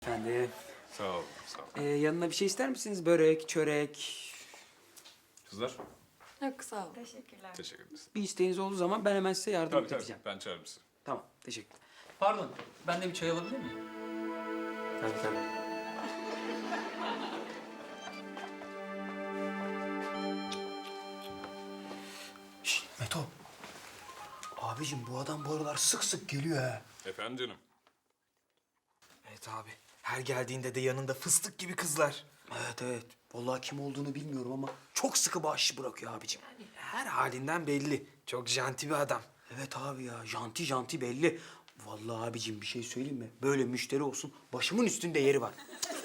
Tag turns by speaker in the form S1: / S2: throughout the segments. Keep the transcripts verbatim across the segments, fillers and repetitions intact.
S1: Efendim.
S2: Sağ ol, sağ ol.
S1: Ee, yanına bir şey ister misiniz? Börek, çörek.
S2: Kızlar,
S3: Yok sağ ol.
S4: Teşekkürler.
S2: teşekkür ederiz.
S1: Bir isteğiniz olduğu zaman ben hemen size yardım
S2: Tabii tabii,
S1: edeceğim.
S2: ben çağırırım sizi.
S1: Tamam, teşekkür. Pardon, ben de bir çay alabilir miyim? Tabii tabii.
S5: Şşt Meto. Abicim bu adam bu aralar sık sık geliyor ha.
S2: Efendim canım.
S5: Evet abi. Her geldiğinde de yanında fıstık gibi kızlar. Evet evet. Vallahi kim olduğunu bilmiyorum ama çok sıkı bahşiş bırakıyor abicim.
S6: Her halinden belli. Çok janti bir adam.
S5: Evet abi ya. Janti janti belli. Vallahi abicim bir şey söyleyeyim mi? Böyle müşteri olsun. Başımın üstünde yeri var.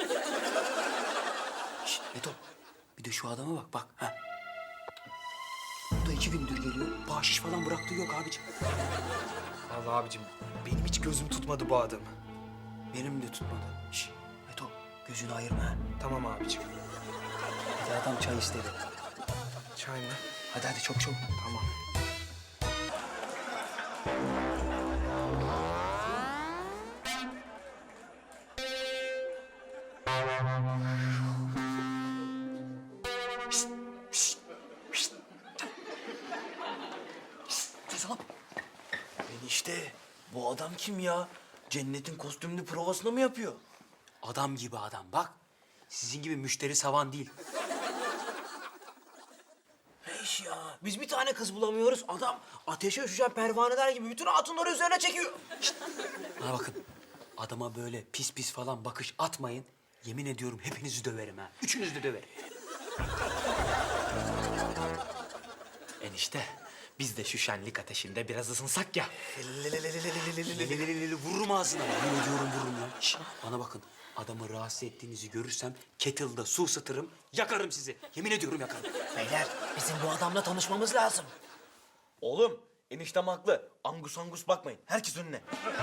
S5: Şşt Meto. Bir de şu adama bak bak. Ha. Bu da iki gündür geliyor. Bahşiş falan bıraktığı yok abicim.
S6: Vallahi abicim benim hiç gözüm tutmadı bu adamı.
S5: Benim de tutmadı. Şşt Meto. Gözünü ayırma ha.
S6: Tamam abicim.
S5: Bir de adam çay istedi.
S6: Çay mı?
S5: Hadi hadi çok çok.
S6: Tamam.
S5: Ses al. Enişte bu adam kim ya? Cennetin kostümlü provasını mı yapıyor?
S1: Adam gibi adam bak. Sizin gibi müşteri savan değil.
S5: Ne iş ya? Biz bir tane kız bulamıyoruz. Adam ateşe üşüşen pervaneler gibi bütün hatunları üzerine çekiyor.
S1: Bana bakın. Adama böyle pis pis falan bakış atmayın. Yemin ediyorum hepinizi döverim ha. Üçünüzü de döverim.
S6: Enişte biz de şu şenlik ateşinde biraz ısınsak ya.
S1: Lelelelelelelelelelelele vururum ağzına. Yemin ediyorum vururum ya. Şş, bana bakın. Adamı rahatsız ettiğinizi görürsem kettle'da su ısıtırım, yakarım sizi. Yemin ediyorum yakarım.
S5: Beyler bizim bu adamla tanışmamız lazım.
S7: Oğlum, eniştem haklı. Angus angus bakmayın. Herkes önüne.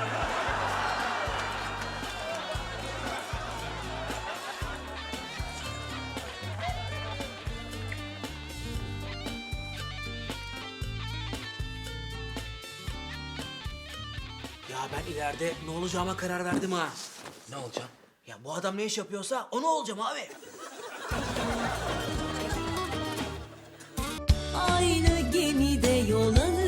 S5: Ya ben ileride ne olacağıma karar verdim ha. Ne olacağım? Ya bu adam ne iş yapıyorsa onu olacağım abi.
S8: Aynı gemide yol alır.